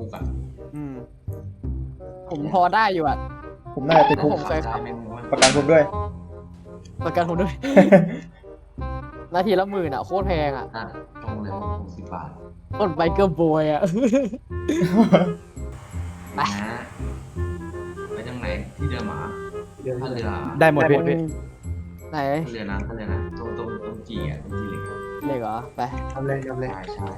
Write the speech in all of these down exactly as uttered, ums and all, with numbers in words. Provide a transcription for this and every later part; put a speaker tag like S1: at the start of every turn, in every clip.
S1: กอ่ะ
S2: อืม
S3: ผมพอได้อยู่อ่ะ
S4: ผมน่าจะติดคุก
S3: ผมเคย
S1: ได้ไม่ไม่
S4: ประกันผมด้วย
S3: ประกันผมด้วย นาทีละหมื่นอ่ะโคตรแพงอ่ะ
S1: อ่ะตรงเลยหกสิบบาท
S3: กดไบเกอร์บอยอ่ะ ไป
S1: นะไปจังไหนที่เรือหมาท่าเรือ
S2: ได้หมดพี่พี่
S3: ไหน
S1: ท่าเรือนะท่าเรือนะตรงตรงตรงจีอ่ะตรงจีเหล็กอะ
S3: เด็กเหรอไป
S5: ทำเลยทำเลย
S1: ใช่ใช่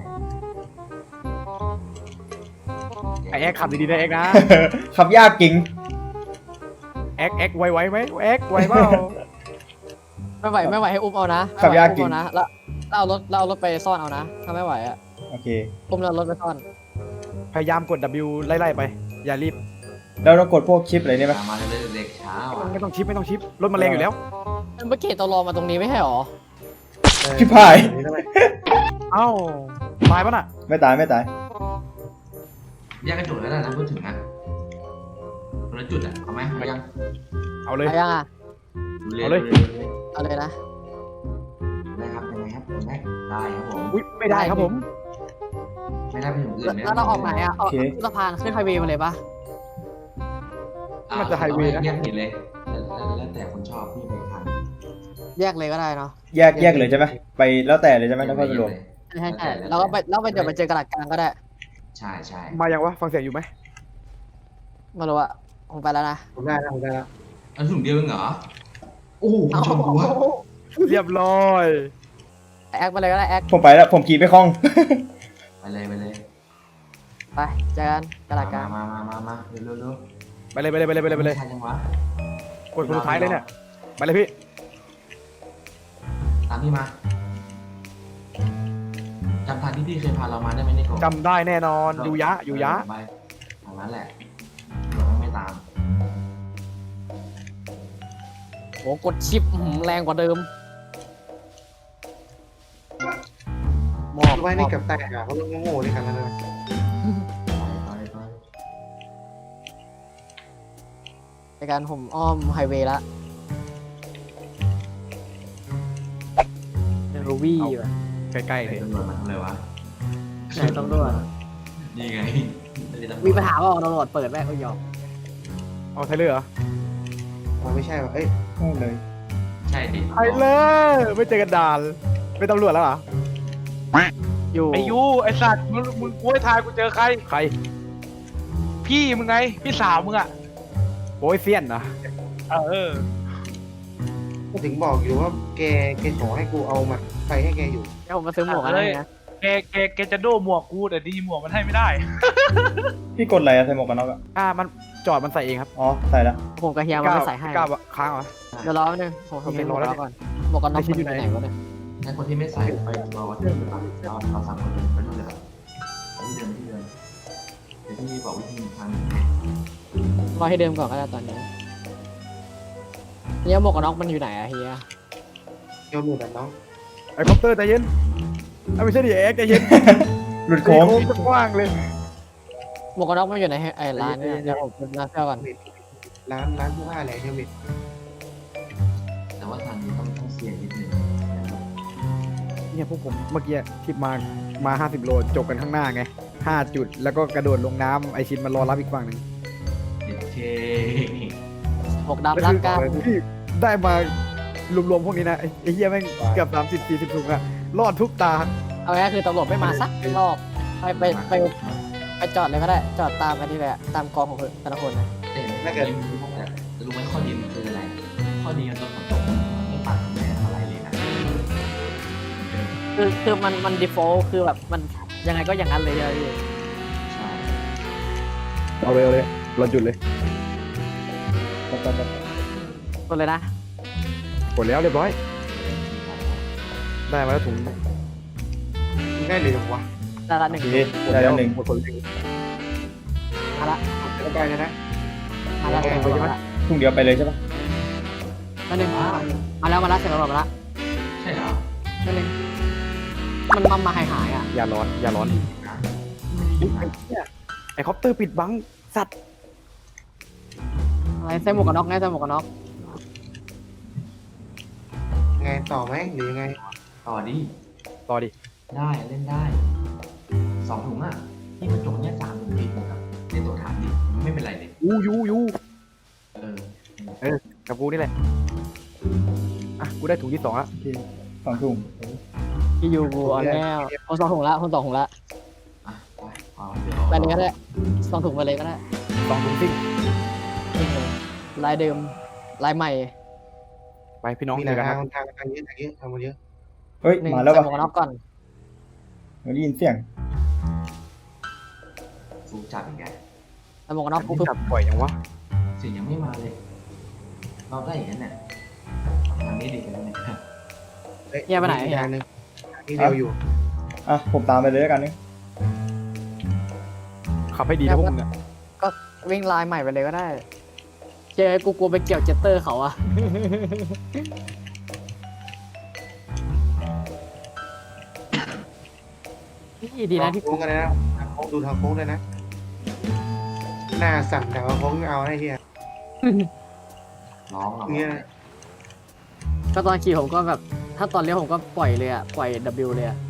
S2: ไอแอ็กขับดีๆนะแอ็กนะ
S4: ขับยากจริง
S2: แอ็กแอ็กไวไวไหมแอ็กไวเปล่า
S3: ไม่ไหวไม่ไหวให้อุ้มเอานะ
S4: ขับยากจริง
S3: อุ้มเอานะแล้วแล้วเอารถแล้วเอารถไปซ่อนเอานะถ้าไม่ไหวอ่ะ
S4: โอเค
S3: อุ้มแล้วเอารถไปซ่อน
S2: พยายามกด W ไล่ๆไป อย่ารีบ
S4: แล้วต้องกดพวกชิปอะไรนี่ไหม
S1: ตามมาเลยเด็กเช้าอ่ะ
S2: ไม่ต้องชิปไม่ต้องชิปรถมันแรงอยู่แล้ว
S3: เมื่อกี้ตัวรอมาตรงนี้ไม่ใช่หรอ
S4: ชิบหาย
S2: เอ้าตายปะน่ะ
S4: ไม่ตายไม่ตาย
S1: แยกกระจุกแล้วนะพูดถึงนะคนละจุดอ่ะเอาไหมเอายัง
S2: เอาเลย
S3: ไปยังอ่ะ
S1: ดู
S2: เอาเลย
S3: เอาเลยนะ
S1: ได้ครับยังไงครับยังไงได้ครับผม
S2: อุ้ยไม่ได้ครับผม
S1: ไม่ได้ไปถึงอื่น
S3: แล้วเราออกไหนอ่ะออก
S4: โอเค
S3: ขึ้นสะพานขึ้นไฮเวย์มาเลยปะ
S2: มันจะไฮเวย์นะ
S1: แยกผิดเลยแล้วแต่คนชอบพี่ไปทาง
S3: แยกเลยก็ได้เนาะ
S4: แยกแยกเลยใช่ไหมไปแล้วแต่เลยใช่ไหมต้องเข้าไปรวม
S3: ใช่ใช่ใช่แล้วก็ไปแล้วไปเดี๋ยวไปเจอกระดาษกลางก็ได้
S1: ใช่ใช่
S2: มายังวะฟังเสียงอยู่ไหม
S3: ไม่รู้อะผมไปแล้วนะ
S5: ผมได้แล้วผมได้แล้ว
S1: อันถุงเดียวเองเหรอโอ้โหชมกูอะ
S2: เรียบร้อย
S3: แอคไปเลยก็ได้แอค
S4: ผมไปแล้วผมขี่ไม่คล่อง
S1: ไปเลยไปเลย
S3: ไปเจอกันกระดาษกลาง
S1: มามามามาเร็วเร็วเร็ว
S2: ไปเลยไปเลยไปเลยไปเลยไปเลย
S1: ทันยังวะ
S2: กดคนสุดท้ายเลยเนี่ยไปเลยพี่
S1: ตามพี่มาจำทางที่พี่เคยพาเรามาได้ไหมเนี่ยก่อน
S2: จำได้แน่นอนอยู่ยะอยู่ยะ
S1: ไปทางนั้นแหละเราไม่ตาม
S3: โหกดชิปอื้อหือแรงกว่าเดิมหมอบ
S5: ไว้นี่กับแตกอ่ะเขาลงโง่ๆเลยครับนั่นนะ
S1: ไปไป
S3: ในการผมอ้อมไฮเวย์ละเดนรูวี่ว่ะ
S2: ใกล้ๆ
S1: ไป
S2: เลย
S1: ตำรวจมาทำอะไรวะ
S3: ไหนต้องด้วย
S1: นี่ไง
S3: มีปัญหาเปล่าตำรวจเปิดแม่ก็ยอม
S2: เอาไทเลอร์เหรอ
S5: อ๋อไม่ใช่ว่ะเอ้ย
S4: โอ้เลย
S1: ใช่ดิ
S2: ไทเลอร์ไม่เจอกันดานเป็นตำรวจแล้วเหรอ
S3: อยู่
S6: ไอยูไอสัตว์มึงมึงกูให้ทายกูเจอใคร
S2: ใคร
S6: พี่มึงไง พี่สาวมึงอ่ะ
S2: โอ้ยเซียนนะ
S6: เออ
S5: ก็ถึงบอกอยู่ว่าแกแกขอให้กูเอามาไฟให้แกอยู่
S3: เดี๋ยวผมมาซื้อหมวกอะไรนะ
S6: แกแกแกจะโดหมวกกูแต่ดีหมวกมันให้ไม่ได้
S4: พี่กดอะไรอะใส่หมวกกันน็อกอะ
S2: อ่ามันจอดมันใส่เองครับ
S4: อ๋อใส่แล้ว
S3: ผมกับเฮียมันไม่ใส่ให้
S2: กล้าค้างเหรอ
S3: เดี๋ยวรอแป๊บนึงผมผมเป็นหมวกกันน็อกก่อนหมวกกันน็อก
S2: ไอ้ชิ้
S3: มัน
S2: น
S3: อ
S2: อยู่
S3: ยู่
S2: ไหน
S3: ไหนวะเนี่ย
S1: ถ้าคนที่ไม่ใส่ไปรอวัดที่เดิมเราเราสั่งคนไปนู่นเลยครับที่เดิมที่เดิมเดี๋ยวพี่บอกวิธีทาง
S3: รอให้เดิมก่อนก็ได้ตอนนี้เฮียหมวกกันน็อกมันอยู่ไหนอะเฮีย
S5: โยนหมดอ่ะน้อง
S2: ไอ้คอปเตอร์ใจเย็นไอ้ไม่ใช่ดิเอ็กใจเย็น
S4: หลุดโค้ง
S2: จะกว้างเลย
S3: หมวกกันน็อกมันอยู่ไหนไอ้ร้านเนี่ยเดี๋ยวผมไปร้านเสื้อก่อน
S5: ร้านร้านเสื้อผ้าอะไรเฮลเมต
S1: แต่ว่าทางนี้ต้องต้องเสี่ยงนิดนึง
S2: เนี่ยพวกผมเมื่อกี้ที่มามาห้าสิบโลจบกันข้างหน้าไงห้าจุดแล้วก็กระโดดลงน้ำไอชินมันรอรับอีกฝั่งหนึ่ง
S1: เด็ดเค
S3: หมวกดำรักกัน
S2: ที่ได้มารวมๆพวกนี้นะไอ้ไอ้เหี้ยแม่งเกือบสามสิบสี่สิบถุงอะรอดทุกตา
S3: เอาง่ายๆคือตำรวจไม่มาสักรอบไปไปไปไปจอดเลยก็ได้จอดตามไปนี่แหละตามกองของแต่ละคนนะ
S1: แต่แต่รู้ไหมข้อดีมันคืออะไร ข้อดีมันตอนฝนตกไม่ปัดแม่อะไรเลยนะ
S3: คือคือมันมัน default คือแบบมันยังไงก็อย่างนั้นเลยอะพี่
S1: ใช่
S2: เอาเลยเอาเลยเราจุดเลย
S4: ไปไปไป
S3: กดเลยนะ
S2: กดแล้วเรียบร้อย ได้มาแล้วถุง
S5: มึงได้เลยเหรอวะ
S3: ได้ละหนึ่ง
S4: โอเคได้แล้วหนึ่ง
S2: หมดคนหนึ่ง
S3: มาละ
S5: แล้วไปเลยนะ
S3: มาละเสร็จแล้วมาละ
S4: พรุ่งเดียวไปเลยใช่ปะ
S3: มาหนึ่งมาแล้วมาละเสร็จแล้วมาละ
S1: ใช่เหรอ
S3: มาหนึ่งมันมามาหายหายอ่ะ
S2: อย่าร้อนอย่าร้อน
S1: นะ
S2: อุ๊ยไอ้เหี้ยไอ้คอปเตอร์ปิดบังสัตว์
S3: อะไรใส่หมวกกันน็อกไงใส่หมวกกันน็อก
S5: ไงต่อไหมหรือยังไง
S1: ต่อดิ
S2: ต่อดิ
S1: ได้เล่นได้สองถุงอ่ะที่มันจบเนี่ยสามหมื่นปีนะครับในตัวฐานดิไม่เป็นไรเลย
S2: ยูยูยู
S1: เออ
S2: กับกูนี่แหละอ่ะกูได้ถุงที่สองละ
S4: สองถุง
S3: พี่ยูกูเอาแล้วเอาสองถุงละคนสองถุงละ
S1: อ่ะไปเอาเดี๋ยว
S3: ไปเลยก็ได้สองถุงไปเลยก็ได้
S2: สองถุงซิ่ง
S3: จริงเลยลายเดิมลายใหม่
S2: ไปพี่น้อง
S5: มี
S2: เจอกัน
S5: ทา
S2: นะ
S5: งทางทางเยอะทางเยอะทางมันเยอะ
S4: เฮ้ย
S3: หนึ่ง
S4: มาแล้ว
S3: ใส่
S4: ป่ะ
S3: หมวกกันน็อกก่อน
S4: ได้ยินเสียง
S1: ฟูจับอีกไง
S3: ใส่หมวกกันน็อก
S2: อัน
S3: ปุ๊บ
S2: นี้จับปล่อยยังวะ
S1: เสียงยังไม่มาเลย เราได้อย่างนั้นเนี่ยทางนี้ดีกันแล้วเนี่ย
S5: เฮ้ยมีทางนึงนี่เร็วอยู่
S4: อ่ะผมตามไปเลยแล้วกันนึง
S2: ขับให้ดีนะพวกมึงอะ
S3: ก็วิ่งลายใหม่ไปเลยก็ได้เจอกูกลัวไปเกี่ยวเจตเตอร์เขาอะ นี่ดีนะที่
S5: โค้งกันนะโค้งดูทางโค้งเลยนะหน้าสั่นแต่ว่าโค้งเอาให้เฮีย
S1: ร้องเรา
S5: เนี่ย
S3: ก็ตอนขี่ผมก็แบบ ถ้าตอนเลี้ยวผมก็ปล่อยเลยอะปล่อย W เลยอะ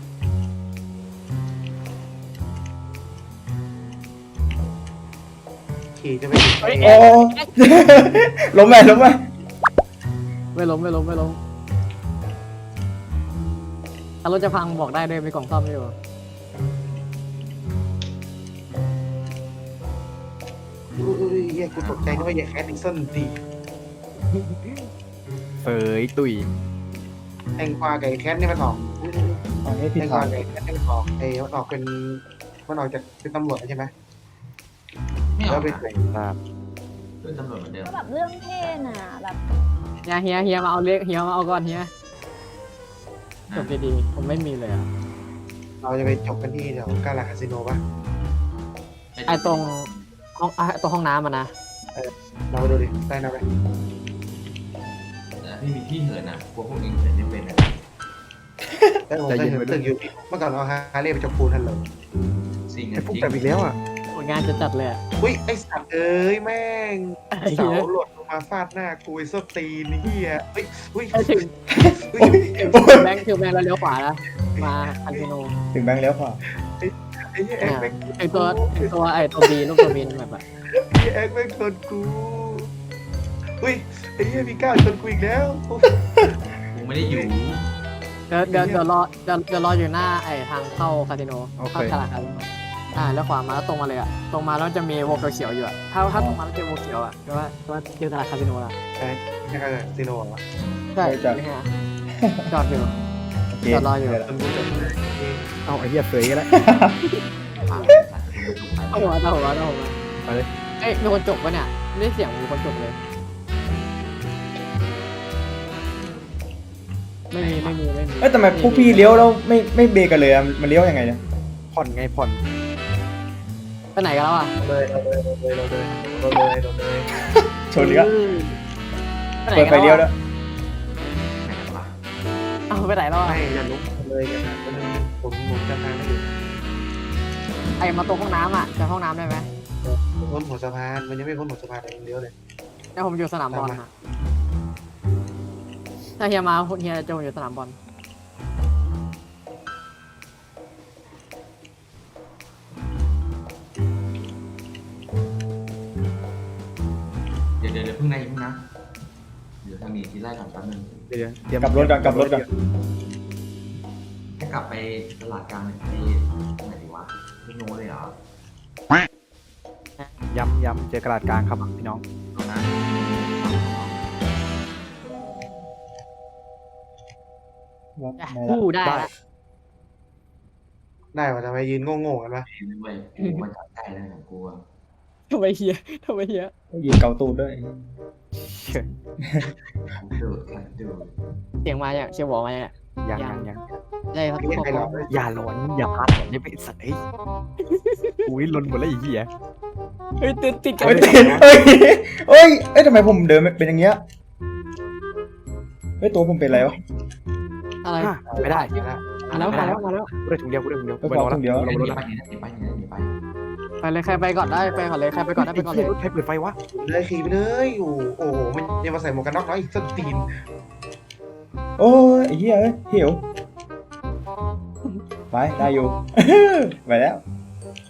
S5: ขี่จะไปถึงไอ้
S4: โอ้ ล้มไหมล้มไหม
S3: ไม่ล้มไม่ล้มไม่ล้มถ้ารถจะพังบอกได้เลยมีกล่องซ่อมอยู่
S5: อุ้ยเฮียกูตกใจนึกว่าอย่าแคสดิกสันดี
S2: เสยตุย
S5: แตงกวากับแคสนี่มันออก
S4: อันนี้
S5: แต
S4: ผิด
S5: งก
S4: ทาว
S5: าง กับแคสนี่มันออกเอ้มันออกเป็นมันออกจากเป็นตำรวจใช่ไหม
S1: ไม่เอา
S5: แล้วไป
S1: นะ
S5: ใส่
S2: ครับ
S1: เป็นตำรวจเหมือนเดิม
S7: ก็แบบเรื่องเพศน่ะแบบ
S3: เฮียเฮียเฮียมาเอาเล็กเฮียมาเอาก่อนเฮียจบดีๆผมไม่มีเลยอะ
S5: เราจะไปจบกันที่แถวกาลาคาสิโนป่ะ
S3: ไอตรงห้องไอตรงห้องน้ำอะนะ
S5: เราไปดูดิได้นะไป
S1: แต่พี่มีที่เหินอ่ะพวกพวกเองเหินยังเป็นอ่ะ
S5: ได้ผมเคยเห็นตึกอยู่เมื่อก่อนเอาฮาร์เลย์ไปจบปูนทันเลย
S1: สิ่ง
S2: ไอ้
S1: อ่ะ
S2: พวก
S1: จริง
S2: แต่อีกแล้วอ่ะ
S3: ผลงานจะจัดเลยอะ
S5: อุ้ยไอสัตว์เอ้ยแม่ง
S3: ไอ้
S5: เสา
S3: เหี้ย
S5: หล่นลงมาฟาดหน้ากูไอ้ส้นตีนเฮียเฮ้ยอุ้ย
S3: ไอ้ถึง
S5: อุ้ย
S3: ถึงแบงค์ถึงแบงค์แล้วเลี้ยวขวาแล้วมาคันโน
S4: ถึงแบงค์แล้วค่ะ
S5: ไอ้เหี้ยแอ็กแม่ง
S3: ถึงตัวถึงตัวไอตัวบีลูกตัวบีนั่นแบบอะ
S5: ไอ้แอ็กแม่งชนกูอุ้ยไอ้เหี้ยมีก้าวชนกูอีกแล้ว
S1: กูไม่ได้อยู่
S3: เดี๋ยวเดี๋ยวเดี๋ยวรอเดี๋ยวเดี๋ยวรออยู่หน้าไอทางเข้าคาสิโน
S2: โอเค
S3: เข้าตลาดคาสิโนอ่าแล้วขวามาแล้วตรงมาเลยอะตรงมาแล้วจะมีวงเขียวๆอยู่อะถ้าถ้าตรงมาแล้วเจอวงเขียวอะแปลว่าแปลว่าเจอตลาดคาสิโนละ
S5: นี่คือซีโน่เหรอ
S3: ใช่ไม่ใช่จอดอยู่
S4: โอเค
S3: จอดรออยู่
S4: เดี๋วละ
S5: ชนกูจน
S2: เอาไอ้เหี้ยเสยกันแล้ว
S1: ผ่านสัตว์คุณถูกไป
S3: เอาหัวเอาหัวเอาหัว
S2: ไปเลย
S3: เอ้ยมีคนจบปะเนี่ยไม่ได้เสียงมีคนจบเลย ไม่มีไม่มีไม่มี
S4: เอ้ยทำไมพวกพี่เลี้ยวแล้วไม่ไม่เบรกกันเลยอะมันเลี้ยวยังไงเนี่ย
S2: ผ่อนไงผ่อน
S3: ไปไหนกันแล้วอ่ะ
S5: เลยเราเลยเราเลยเราเลยเราเลยเราเลย
S4: ชนอีกแล้ว
S3: ไปไหน
S4: เปิด
S3: กัน
S4: ไฟเลี้ยว
S3: แล้ว
S4: แล้ว
S1: ไหนกันวะ
S3: เอาไปไหนแล้วอะ
S5: ไม่จะลุกเลยกันนะผมผมจำทางไม่อยู่
S3: ไอมาตรงห้องน้ำอ่ะจะห้องน้ำได้ไหม
S5: พ้นหัวสะพานมันยังไม่พ้นหัวสะพานเลยเลี้ยวเลย
S3: แล้วผมอยู่สนามบอล
S5: ตามมา
S3: อ่ะถ้าเฮียมาเฮียจะอยู่สนามบอล
S1: เดี๋ยวเดี๋ยวเดี๋ยวเพิ่งนะอย่าเพิ่งนะเดี๋ยวทางนี้ที่ไล่ก่อนแป๊บนึง
S2: เดี๋ยวเดี๋ยว
S4: กลับรถก่อนกลับรถก่อน
S1: ให้กลับไปตลาดกลางไปไหนดีวะพี่โน้เลยเหรอ
S2: ย้ำย้ำเจอกระดาษกลางครับพี่น้อง
S1: เอานะ
S4: วัด
S3: อ่ะ
S4: ไม่ละ
S3: คู่ได้ละ
S5: ได้ว่าทำไมยืนโง่ๆกันวะ
S1: เห็นด้วยกูมาจับใจแล้วของกูอะ
S3: ทำไมเฮียทำไมเฮีย
S4: ยืนเกาตูดด้วย
S1: ขันดูดขันดูด
S3: เสียงมาเนี่ยเชียร์บอกมาเนี่ย
S2: ยังยังยัง
S3: ได้ครับ
S5: ไม่ใช่ใครหรอก
S2: อย่าหลอนอย่าพลาดหลอนอย่าไปสัตว์เอ้ยอุ้ยลนหมดแล้วไอ้เหี้ย
S3: เฮ้ยติดติดกัน
S4: เฮ้ยเฮ้ยเฮ้ยเอ้ยทำไมผมเดินเป็นอย่างเงี้ยเฮ้ยตัวผมเป็นอะไรวะ
S3: อะไร
S2: อ่ะไม่ได้
S3: มาแล้วมาแล้วมาแล้ว
S2: กูได้ถุงเดียวกูได้ถุงเดียว
S4: ก็
S2: ไป
S4: พ
S2: ร
S4: อ
S2: อ
S4: ถุงเดียว
S2: แล้ว
S1: ห
S2: รอ
S1: นี
S2: แล้ว
S1: ไปหนีไปหนีไปหนีไป
S3: ไปเลยใครไปก่อนได้ไปก่อนเลยใครไปก่อนได้ไปก่อนเลย
S2: ใครเปิดไฟวะ
S5: เลยขี่ไปเลยโอ้โอ้โหมันยังมาใส่หมวกกันน็อกน้อยอีกส้นตีน
S4: โอ้ยไอ้เหี้ยเอ้ยหิวไปได้อยู่ ไปแล้ว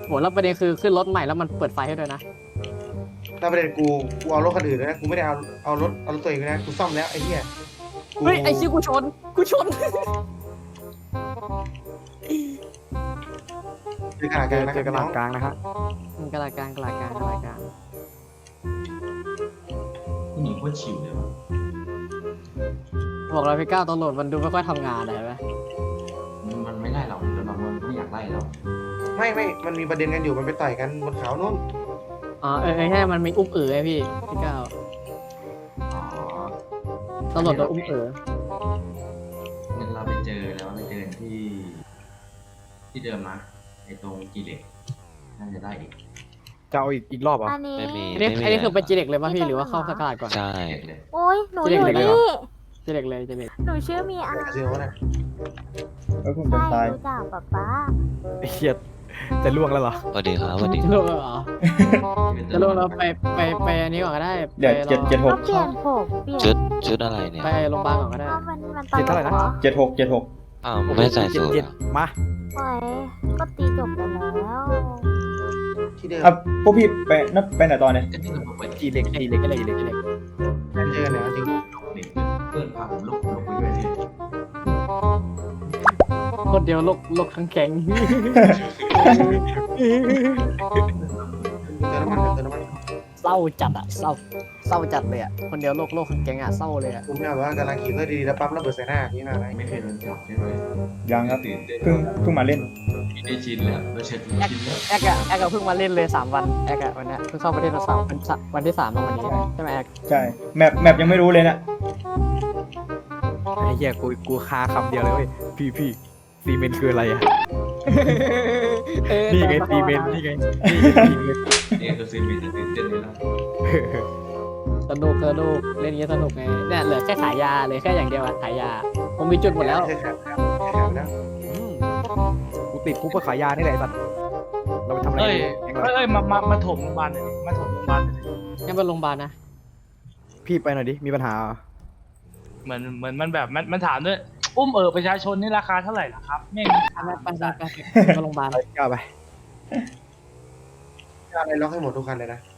S3: โหแล้วประเด็นคือขึ้นรถใหม่แล้วมันเปิดไฟให้ด้วยนะ
S5: ถ้าประเด็นกูกูเอารถคันอื่นเลยนะกูไม่ได้เอาเอารถเอารถตัวเองเลยนะกูซ่อมแล้วไอ้เหี้ยกู
S3: เฮ้ยไอ้ชิกูชนกูชน
S5: เจอกระดาษก
S2: เจ
S5: ลาง
S2: อ
S5: นะ
S2: เจอกระดาษกลางนะฮะ
S3: มันกระดาษกลางกระดาษกลางกระดาษกลาง
S1: ผู้หญิงโคตรฉิวเลยว่ะ
S3: บอกเราพี่ก้าวตำรวจมันดูไม่ค่อยทำงานเลยไหม
S1: มันไม่ได้หรอกจนบางวันไม่อยากไล่เรา
S5: ไม่ไม่มันมีประเด็นกันอยู่มันไปต่อยกันบนเขาโน่น
S3: อ๋อเออใช่มันมีอุ้มเอ๋อไงพี่พี่ก้าว
S1: อ๋อ
S3: ตำรวจโดนอุ้มเอ๋อ
S1: งั้นเราไปเจอแล้วไปเจอที่ ที่เดิมนะไอ้ตรงกีเหล็กน่าจะได้อีก
S2: จะเอาอีกอีกรอบเหรอ่ะ
S8: อันนี้
S9: ไม่มี
S3: อันนี้
S9: ไม่มี
S3: อันนี้คือเป็น
S9: ะ
S3: จีเด็กเลยป่ะพี่หรือว่าเข้ากระดาษก่อน
S9: ใช่
S1: เด็กเลย
S8: โอ้ยหนู
S3: จะ
S8: อ
S3: เรียก
S8: ยู่
S3: เด็กเลยเหรอ
S8: นี่
S3: จีเด็กเลยจีเด็ก
S8: หนูชื่อมีอา
S5: คาสิโนนะ
S4: เอ้ยผมจะ
S8: ใช่
S4: ตาย
S8: รู้จักป๊าป๊า
S2: ไอ้เหี้ยจะล่วงแล้วเหรอ
S9: สวัสดีครับสวัสดี
S3: จะลงแล้วเหรอจะลงแล้วไปไปไปอันนี้ก่อนก็ได้
S4: เดี๋ยว
S3: ไปรอ
S4: เจ็ดเจ็ดห
S8: ก็
S4: ก
S8: เปลี่ยนผมเปลี่ยน
S9: ชุดชุดอะไรเนี่ย
S3: ไปโรงพยาบาลก่อนก็ได้
S8: ก็มันมันต
S2: เจ็ด
S8: ล
S2: เท่าไหร่
S8: ก
S2: นะ
S8: เหรอ
S4: เจ็ดหกเจ็ดหก
S9: อ้าวไม่ใส่สูท
S2: เจ็ด
S9: เหรอ
S2: มา
S8: โอ้ยก็ตีจบไปแล้ว
S5: ที่เดิม
S4: อ่ะพวกพี่ไปนับไปไหนตอนเนี่ย
S1: ก็ที่เราบอกไป
S2: จีเล็กจีเล็ก
S3: จี
S2: จี
S3: เด็ก
S2: เล็ก
S3: จีเด็กจีเด็ก
S5: เจอเนี่ยจริง
S1: เด็กเพื่อนพาผมลุกลุกไปด้วยดิ
S3: คนเดียวโลกโลกทั้งแข็ง
S5: เจอน้ำมันเจอน้ำมัน
S3: เศร้าจัดอะเศร้าเศร้าจัดเลยอะคนเดียวโลกโลกทั้งแข็งอะเศร้าเลยอะ
S5: ผมเนี่ยว่ากำลังขี่เพื่อดีๆแล้วปั๊บระเบิดใส่หน้าพี่มาอะไร
S1: ไม่เคยโดนจับใช่ไหม
S4: ยังครับ
S1: ตื่นเต้น
S4: เพิ่งเพิ่งมาเล่น
S1: ไม่ได้ชินแล้วเราเช็ดชินแล้ว
S3: แอกอะแอกอะเพิ่งมาเล่นเลยสามวันแอกอะวันเนี้ยเพิ่งเข้าประเทศมาสามวันสามวันที่สามมาวันนี้ใช่ไหมแอก
S4: ใช่แมปแมปยังไม่รู้เลยนะ
S2: ไอ้เหี้ยกูกูคาคำเดียวเลยเว้ยพี่พี่ซีเมนต์คืออะไรอ่ะ
S3: เออ
S2: นี่ไงซีเมนต์นี่ไงนี่ไงซีเมนต์
S1: นี่คือซีมีจะตื่นเต้นเลยนะ
S3: สนุกสนุกเล่นอย่างนี้สนุกไงเนี่ยเหลือแค่ขายยาเลยแค่อย่างเดียวอะขายยาผมมีจุดหมดแล้ว
S5: ใช่ครับใช่ครับแล้ว
S2: อืมกูติดคุกเพื่อขายยานี่แหละไอ้สัตว์เราไปทำอะไร
S6: เอ้ย
S2: กัน
S6: เอ้ยเอ้ยมามามาถมโรงพยาบาลหน่อยดิมาถมโรงพยาบาลหน่อยดิ
S3: งั้นไปโรงพยาบาลนะ
S2: พี่ไปหน่อยดิมีปัญหาเหรอ
S6: เหมือนเหมือนมันแบบมันมันถามด้วยอุ้มเออประชาชนนี่ราคาเท่าไหร่ล่ะครับไม่มี
S3: ไปไปไปไปไปโรงพยาบาล
S2: ไปก้าวไป
S5: อะไรล็อกให้หมดทุกคันเลยนะ